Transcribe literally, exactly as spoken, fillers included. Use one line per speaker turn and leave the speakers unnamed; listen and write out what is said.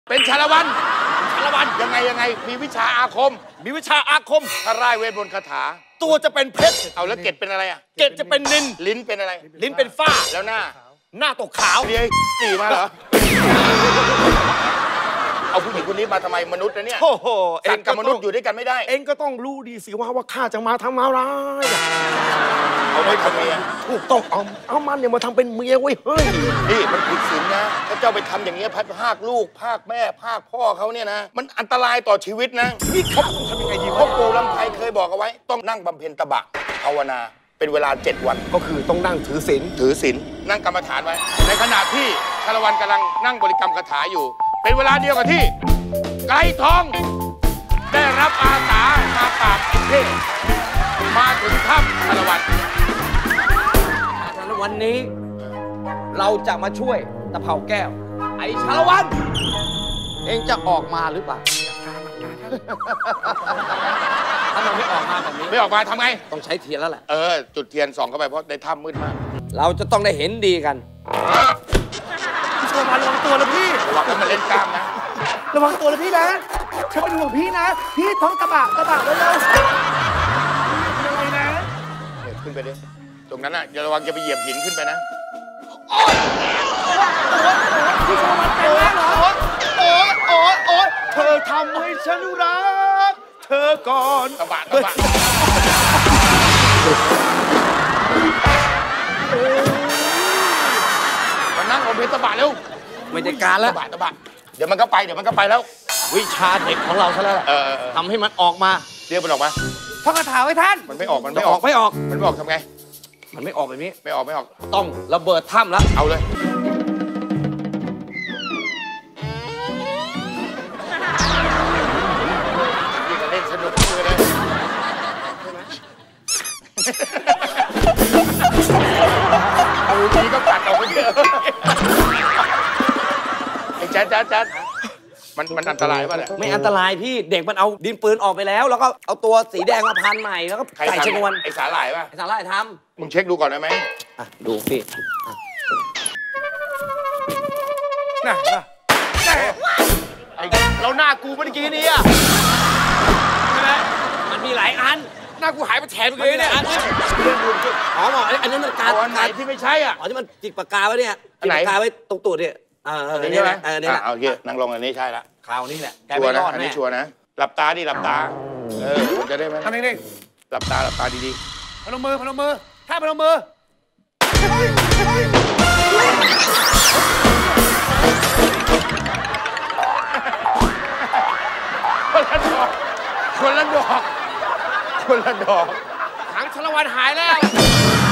เป็นชาละวันชาละวันยังไงยังไงมีวิชาอาคม
มีวิชาอาคม
ถ้าร่ายเวทมนต์คาถา
ตัวจะเป็นเพชร
เอาแล้วเกล็ดเป็นอะไรอ่ะ
เกล็ดจะเป็นนิน
ลิ้นเป็นอะไร
ลิ้นเป็นฝ้า
แล้วหน้า
หน้าตกขาว
เรียตีมาเหรอเอาผู้หญิงคนนี้มาทำไมมนุษย์นะเนี่ย
โอ้โห
สัตว์กับมนุษย์อยู่ด้วยกันไม่ได้
เองก็ต้องรู้ดีสิว่าว่าข้าจะมาทำอะไร
เอาไปทำเมีย
ถูกต้องเอาเอามันเนี่ยมาทำเป็นเมียไว้เฮ้ย
นี่มันผิดศีลนะถ้าเจ้าไปทำอย่างเงี้ยพัดภาคลูกภาคแม่ภาคพ่อเขาเนี่ยนะมันอันตรายต่อชีวิตนะ
นี่เขาต้องทำยังไงดี
พ่อปู่ลำไพเคยบอกเอาไว้ต้องนั่งบำเพ็ญตบะภาวนาเป็นเวลาเจ็ดวัน
ก็คือต้องนั่งถือศีล
ถือศีลนั่งกรรมฐานไว้ในขณะที่ชาละวันกำลังนั่งบริกรรมคาถาอยู่เป็นเวลาเดียวกับที่ไก่ทองได้รับอาสามาปราบเทพมาถึงถ้ำชาละวัน
ชาละวันนี้เราจะมาช่วยตะเภาแก้วไอ้ชาละวันเองจะออกมาหรือเปล่าถ้ามันไม่ออกมาแบบนี้
ไม่ออกมาทำไง
ต้องใช้เทียนแล้วแหละ
เออจุดเทียนส่องเข้าไปเพราะในถ้ำมืดมาก
เราจะต้องได้เห็นดีกัน
พี่ชาละวันระวังตัวนะพี่
ระวังมันเล่นกล้ามนะ
ระวังตัวนะพี่นะฉันเป็นห่วงพี่นะพี่ท้องกระบะกระบะไว้เลยยังไงนะ
ขึ้นไปดิตรงนั้นอ่ะอย่าระวังจะไปเหยียบหินขึ้นไปนะ
พี่ชาละวันเป็นแล้วเหรอโอ๊ยโอ๊ยโอ๊ยเธอทำให้ฉันรักเธอก่อน
กระบะกระบะมานั่งบนเพชรตะบะเร็ว
ไม่ได้การแล้ว
ตะบะตะบะเดี๋ยวมันก็ไปเดี๋ยวมันก็ไปแล้ว
วิชาเด็กของเราซะแล้วทำให้มันออกมา
เรียกมันออกมา
ท่องคาถาไว้ท่าน
มันไม่ออกมันไม่ออก
ไม่ออก
มันไม่ออกทำไง
มันไม่ออกแบบนี้
ไม่ออกไม่ออก
ต้องระเบิดถ้ำแล้ว
เอาเลยนี่ก็เล่นสนุกเลยเอาทีก็ปัดออกไปเยอะไอ้แจ๊ดแจ๊ดแจ๊ดมันมันอันตรายป่ะเนี่ย
ไม่อันตรายพี่เด็กมันเอาดินปืนออกไปแล้วแล้วก็เอาตัวสีแดงมาพันใหม่แล้วก็ใส่ชนวน
ไอ้สาหร่ายป่ะ
ไอ้สาหร่ายท
ำมึงเช็คดูก่อนได้ไหม
อ่ะดูพี่
น่ะน่ะไอ้เราหน้ากูเมื่อกี้นี้อ่ะ
ใช่ไหมมันมีหลายอัน
หน้ากูหายไปแถมเลยเนี่ย
อ๋อหมออันนั้นมันการ
ไหนที่ไม่ใช่อ่ะ
อ๋อที่มันจิกปากกาไว้เนี่ยจิกปากกาไว้ตรงตูดเนี่ย
อ่าอันนี้ใช่ไหมอันนี้แหละเอาเยอะนั่งลงอันนี้ใช่ละ
คราวนี้แหละ
ชัวร์นะอันนี้ชัวร์นะหลับตาดิหลับตาเออมันจะได้ไหม
ทำเอง
หลับตาหลับตาดี
ๆพนมมือพนมมือท่าพนมมือ
คนละดอกคนละดอกคนละดอก
หางชาละวันหายแล้ว